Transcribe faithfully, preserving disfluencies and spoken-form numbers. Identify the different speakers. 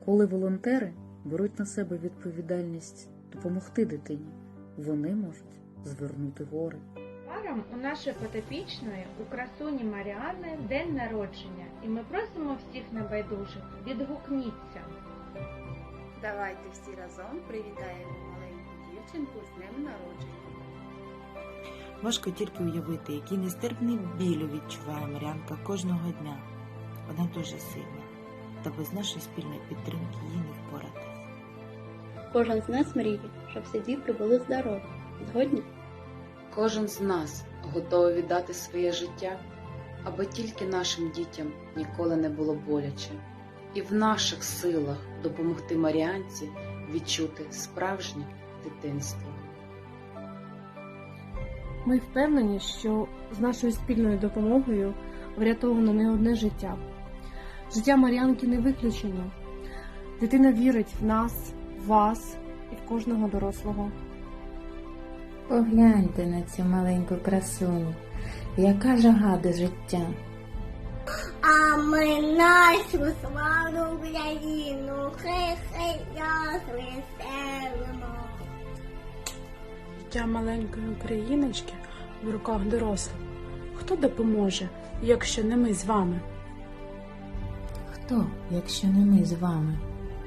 Speaker 1: Коли волонтери беруть на себе відповідальність допомогти дитині, вони можуть звернути гори.
Speaker 2: Незабаром у нашої потопічної, у красуні Маріани, день народження, і ми просимо всіх небайдужих, відгукніться.
Speaker 3: Давайте всі разом привітаємо маленьку дівчинку з днем народження.
Speaker 4: Важко тільки уявити, який нестерпний біль відчуває Мар'янка кожного дня. Вона дуже сильна, та без нашої спільної підтримки їй не впоратись.
Speaker 5: Кожен з нас мріє, щоб всі діти були здорові. Згодні?
Speaker 6: Кожен з нас готовий віддати своє життя, аби тільки нашим дітям ніколи не було боляче. І в наших силах допомогти Маріанці відчути справжнє дитинство.
Speaker 7: Ми впевнені, що з нашою спільною допомогою врятовано не одне життя. Життя Мар'янки не виключення. Дитина вірить в нас, в вас і в кожного дорослого.
Speaker 8: Погляньте на цю маленьку красуню, яка жага до життя.
Speaker 9: А ми нашу славну Україну, хай-хай нас веселимо.
Speaker 10: Життя маленької україночки в руках дорослих. Хто допоможе, якщо не ми з вами?
Speaker 8: Хто, якщо не ми з вами?